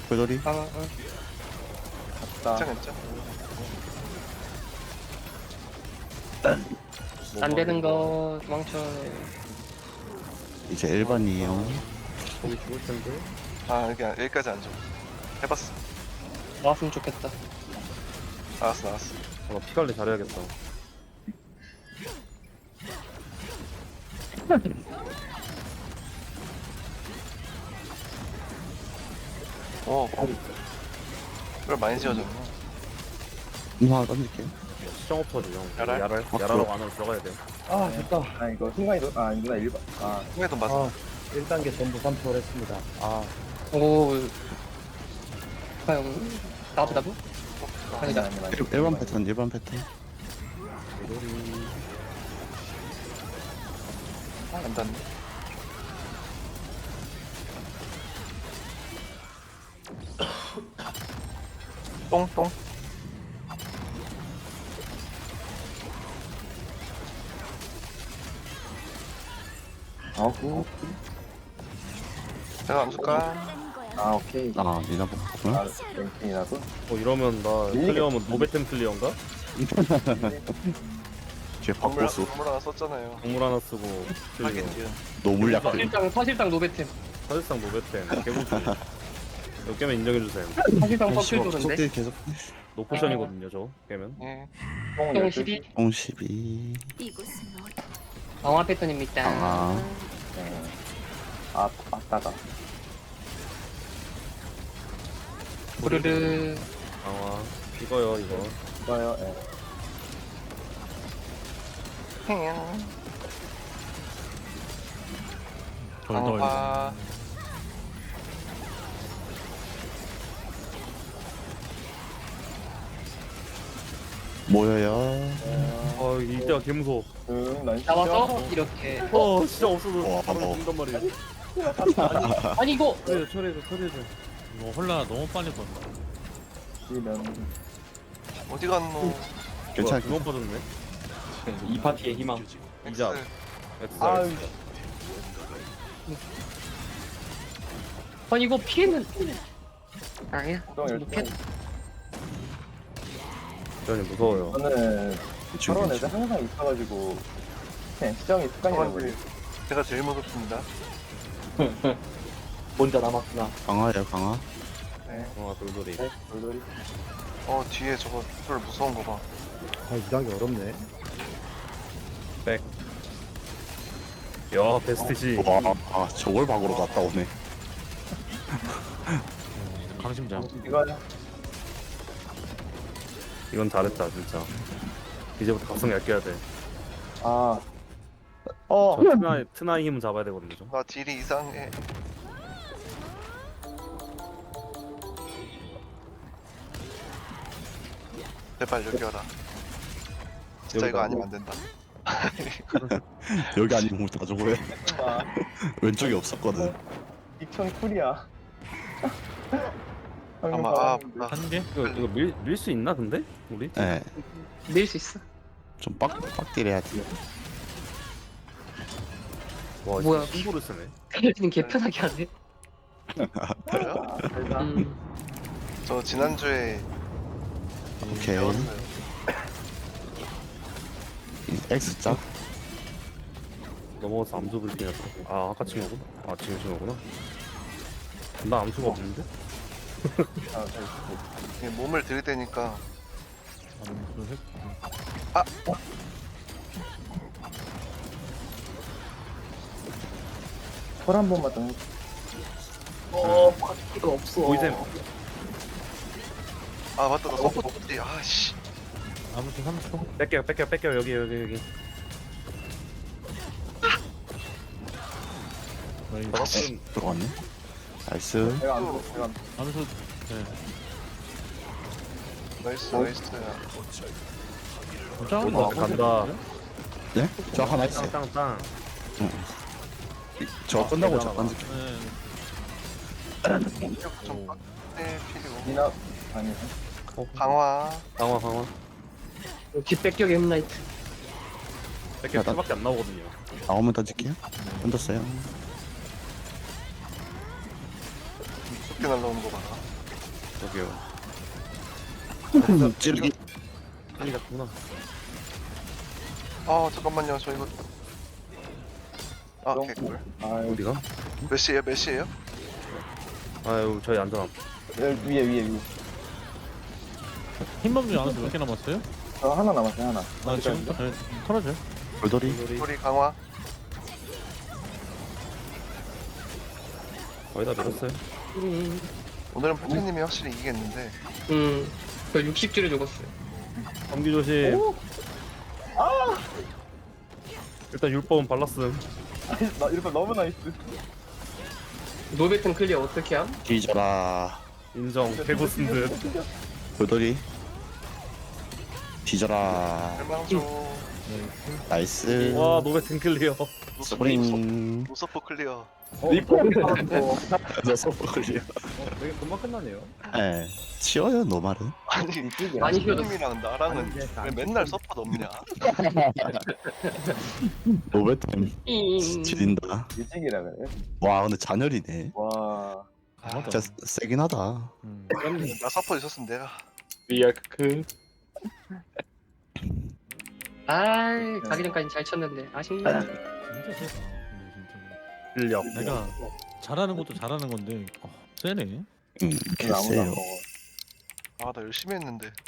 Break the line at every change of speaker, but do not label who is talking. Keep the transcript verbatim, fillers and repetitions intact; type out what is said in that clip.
골돌이.
아, 아.
나
괜찮 괜찮.
안 되는 거 도망쳐.
이제 일반이에요.
거기 죽을 텐데.
아 여기 여기까지 안 줘. 해봤어.
나왔으면 좋겠다.
알았어 알았어.
아, 나 피관리 잘해야겠다.
오. 그걸 많이 지어줬네.
음, 하나 던질게요.
시정 없어지 형.
야랄?
야랄?
어,
야랄하고
그럼.
안으로 들어가야 돼.
아 됐다. 아 이거 순간이 도- 아 아니구나 일반. 아
통에도 맞아.
아, 일 단계 전부 삼 초를 했습니다. 아
오. 과연 나도 나도?
아니다 아니다. 아니다.
일- 일반 패턴, 일반 패턴.
안 닿네. 똥똥.
아구.
제가 안 줄까?
아 오케이.
아, 니나 보구나.
아 랭킹이라고?
어 이러면 나 클리어하면 노베템 클리어인가?
뒤에
건물
박보수.
건물 하나 썼잖아요.
동물 하나 쓰고 클리어.
하긴 뒤에.
노물 약들.
사실상 사실상 노베템.
사실상 노베템. 개고수. 몇 개면 인정해주세요.
사실상
아, 씨발,
퍼플도는데.
속딜 계속.
노포션이거든요 저 깨면.
예.
형 십이
공 십이.
이곳은 어디?
강화 패턴입니다.
강화.
네. 아 맞다가.
부르르.
강화. 이거요 이거.
좋아요. 예.
강화.
모여요.
아 이때가 개 무서워.
응, 난
나와서 이렇게.
어 진짜 없어도
와,
바로
어.
죽는단 말이야.
아니 이거
처리해줘 처리해줘 처리해줘.
이거 홀라 너무 빨리 본다.
시면
어디 갔노?
괜찮아.
두번 빠졌네.
이 파티의 희망.
이자.
X.
아
엑스.
아니 이거 피해는 아니야.
똥
못 피해.
전이 무서워요.
저는
지금
저런 애들 항상 있어가지고 그냥 시정이 습관이
저건
돼버려.
제가 제일 무섭습니다.
혼자 남았구나.
강화예요, 강화.
네.
아 돌돌이.
네, 돌돌이.
어 뒤에 저거 쫄 무서운 거 봐.
아 이상하게 어렵네.
백. 야 베스트시.
와, 아, 저걸 박으러 갔다 오네.
강심장.
이거
이건 잘했다 진짜. 이제부터 각성 얇게 해야 돼.
아 어.
저 트나이 트나이 힘은 잡아야 되거든요. 저.
나 딜이 이상해. 제발 여기 와라. 진짜 이거
여기다.
아니면 안 된다.
여기 아니면 다 저거야.
아,
왼쪽이 없었거든.
이천 쿨이야.
아마 아, 아
한 개?
이거 이거 밀 밀 수 있나 근데 우리?
예.
밀 수 있어.
좀 빡, 빡딜 해야지.
와
뭐야.
뭐야? 신고를 쓰네.
텔리는 개편하게 하네.
그래요?
아, 대단.
음.
저 지난주에
오케이.
배웠어요.
X자.
넘어가서 암수 불기냐. 아 아까 친구구나. 아 지금 친구구나. 나 암수가 없는데?
아, 잘
이게 몸을 들이대니까
암수 했.
털한 번만 더.
어, 바퀴가 없어.
보이셈.
아 맞다 나 서포트지. 아씨.
암수 삼 초.
뺏겨 뺏겨 뺏겨 여기 여기 여기.
나이스.
들어갔네. 나이스.
제가 안 돼. 제가 안 돼.
암수. 네.
나이스 나이스.
짱.
어, 간다.
네? 저 하나 있어요.
땅땅땅.
저 끝나고
아,
저 던질.
네.
좀 빡대 필요.
미나 아니.
강화.
강화 강화.
뒷백격의 햄라이트.
뺏겨 수밖에 안 나오거든요.
나오면 던질게요. 던졌어요.
쉽게 날라오는 거 봐라.
저기요.
찌르기.
빨리 갔구나.
아 잠깐만요 저 이거 아
좀-
개꿀
아유,
어디가?
몇 시에요 몇 시에요?
아유 저희 안전.
위에 위에 위에.
흰범 중에 안에서 몇 개 남았어요?
저 하나 남았어요 하나.
아 지금 네, 털어줘요.
돌돌이.
우리 강화
거의 다 밀었어요.
음,
오늘은 포켓님이 확실히 이기겠는데
음. 저 육십 줄에 죽었어요.
감기 조심. 일단 율법은 발랐음.
나 이렇게 너무 나이스.
노베튼 클리어 어떻게 함?
뒤져라.
인정. 개고쓴 듯.
돌돌이. 뒤져라.
멸망조
나이스.
와 노베 탱클리어.
스프링.
노서포 클리어
리포.
너 서버 걸려.
되게 금방 끝나네요.
예. 치워요 노말은.
아니
많이 쉬어도
포켓님이랑 나랑은 왜 맨날 서포 넘냐
노베템
잉.
지린다.
일찍이라 그래.
와 근데 잔열이네.
와.
맞아.
진짜 세긴 하다.
음.
나 서포 있었으면 내가
리아크.
아, 가기 전까지 잘 쳤는데 아쉽네.
진짜 세다. 근데 진짜.
실력.
내가 잘하는 것도 잘하는 건데 어, 세네.
응.
오늘 아무도 안
개쎄요.
먹어.
아 나 열심히 했는데